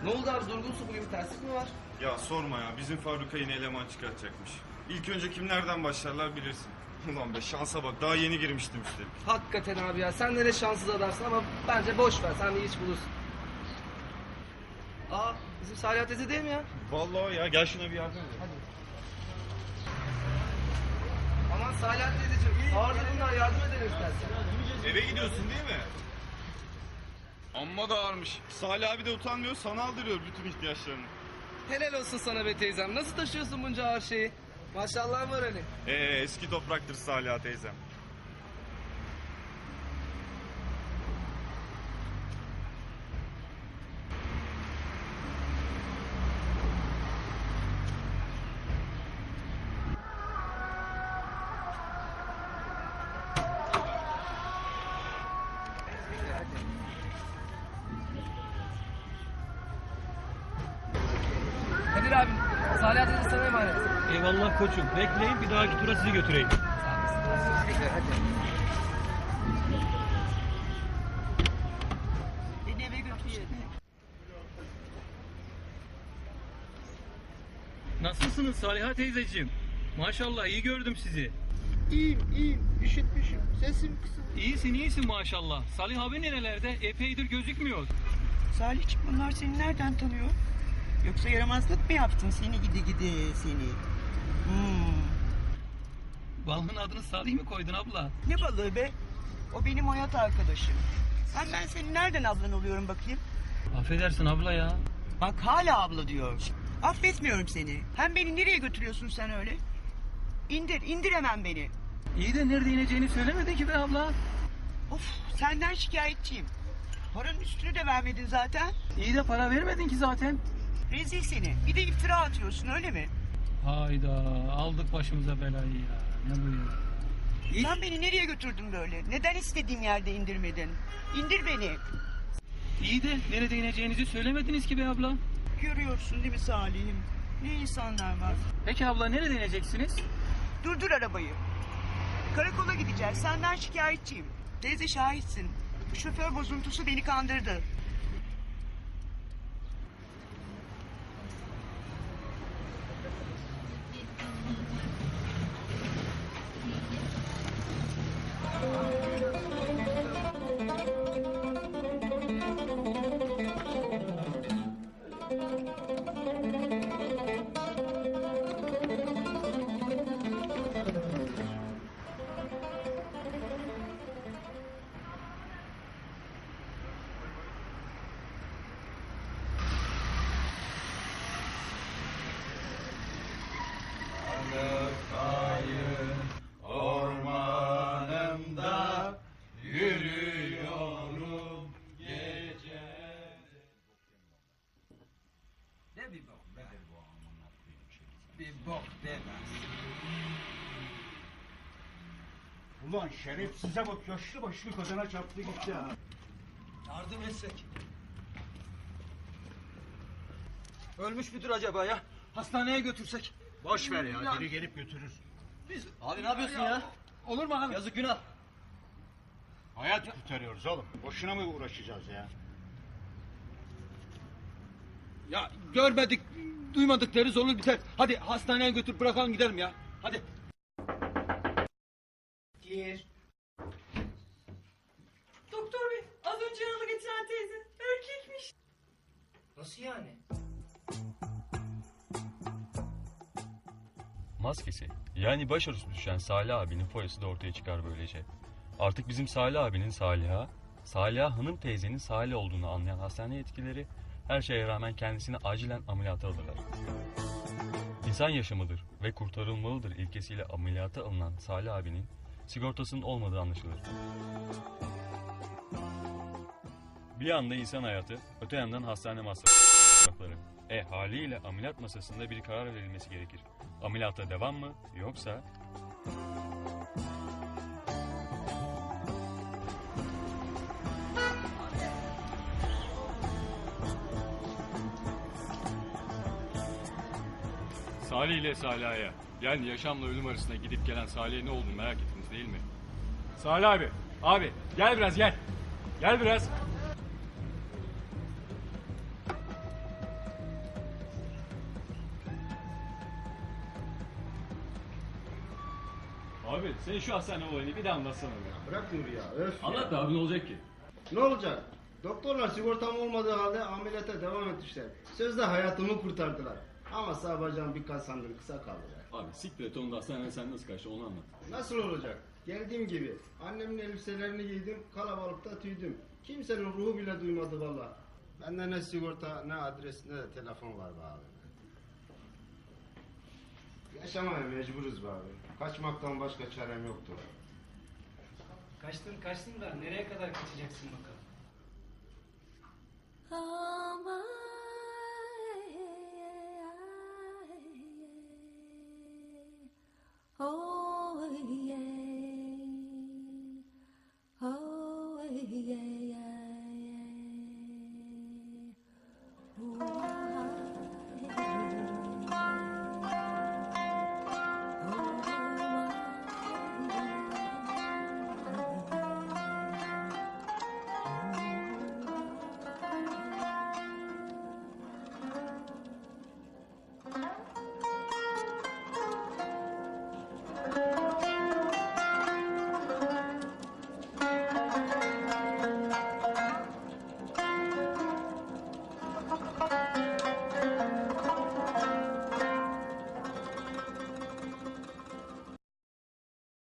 Ne oldu abi, durgunsun, bugün bir terslik mi var? Ya sorma ya, bizim fabrika yine eleman çıkartacakmış. İlk önce kimlerden başlarlar bilirsin. Ulan be, şansa bak, daha yeni girmiştim üstelik. Hakikaten abi ya, sen de ne şanssız adamsın ama bence boş ver, sen bir iş bulursun. Aa, bizim Salih teyze değil mi ya? Vallahi ya, gel şuna bir yardım et. Hadi. Aman Salih teyzeciğim, ağır durumlar, yardım edelim istersen. Eve gidiyorsun değil mi? Amma da ağırmış. Salih abi de utanmıyor, sana aldırıyor bütün ihtiyaçlarını. Helal olsun sana be teyzem, nasıl taşıyorsun bunca ağır şeyi? Maşallah var hani. Eski topraktır Salih teyzem. Kadir abi, Salih teyze sana emanet. Eyvallah koçum. Bekleyin, bir dahaki tura sizi götüreyim. Beni eve götürsene. Nasılsınız Saliha teyzeciğim? Maşallah iyi gördüm sizi. İyiyim. Üşütmüşüm. Sesim kısık. İyisin maşallah. Salih abi nerelerde? Epeydir gözükmüyor. Salihciğim, bunlar seni nereden tanıyor? Yoksa yaramazlık mı yaptın? Seni gidi seni. Balığın adını Salih mi koydun abla? Ne balığı be? O benim hayat arkadaşım. Ben senin nereden ablan oluyorum bakayım? Affedersin abla ya. Bak hala abla diyor. Affetmiyorum seni. Hem beni nereye götürüyorsun sen öyle? İndir hemen beni. İyi de nerede ineceğini söylemedin ki be abla. Of, senden şikayetçiyim. Paranın üstünü de vermedin zaten. İyi de para vermedin ki zaten. Rezil seni. Bir de iftira atıyorsun, öyle mi? Hayda, aldık başımıza belayı ya. Ne bu ya? Sen beni nereye götürdün böyle? Neden istediğim yerde indirmedin? İndir beni. İyi de nerede ineceğinizi söylemediniz ki be abla. Görüyorsun değil mi Salih'im? Ne insanlar var. Peki abla nerede ineceksiniz? Durdur arabayı. Karakola gideceğiz. Senden şikayetçiyim. Teyze şahitsin. Bu şoför bozuntusu beni kandırdı. Ne bir bok be. Bir bok demez. Ulan şerefsize bak, yaşlı başlı kadına çarptı gitti ha. Yardım etsek. Ölmüş müdür acaba ya? Hastaneye götürsek. Boş ver ya, biri gelip götürür. Abi ne yapıyorsun ya? Olur mu abi? Yazık, günah. Hayat kurtarıyoruz oğlum. Boşuna mı uğraşacağız ya? Ya görmedik, duymadık deriz, olur biter. Hadi hastaneye götür, bırakalım gidelim ya. Hadi. Gir. Doktor bey, az önce yaralı getiren teyze erkekmiş. Nasıl yani? Maskesi, yani başarısı düşen Salih abinin foyası da ortaya çıkar böylece. Artık bizim Salih abinin Saliha Hanım teyzenin Salih olduğunu anlayan hastane yetkilileri her şeye rağmen kendisini acilen ameliyata alırlar. İnsan yaşamıdır ve kurtarılmalıdır ilkesiyle ameliyata alınan Salih abinin sigortasının olmadığı anlaşılır. Bir yanda insan hayatı, öte yandan hastane masrafları. Haliyle ameliyat masasında bir karar verilmesi gerekir. Ameliyata devam mı, yoksa... Salih ile Saliha'ya, yani yaşamla ölüm arasında gidip gelen Salih'e ne olduğunu merak ettiniz değil mi? Salih abi gel biraz gel. Gel biraz. sen şu hastane olayını bir de anlatsana. Bırak Nuri ya. Öf ya. Anlat da abi ne olacak ki? Ne olacak? Doktorlar sigortam olmadığı halde ameliyata devam etmişler. Sözde hayatımı kurtardılar. Ama sağ bacağım birkaç santim kısa kaldı. Abi siktir et onu da hastaneden sen nasıl kaçtın onu anlat. Nasıl olacak? Geldiğim gibi. Annemin elbiselerini giydim, kalabalıkta tüydüm. Kimsenin ruhu bile duymadı valla. Bende ne sigorta, ne adres, ne de telefon var be abi. Yaşamaya mecburuz be abi. Kaçmaktan başka çarem yoktu. Kaçtın da nereye kadar kaçacaksın bakalım? Oh yeah, oh yeah.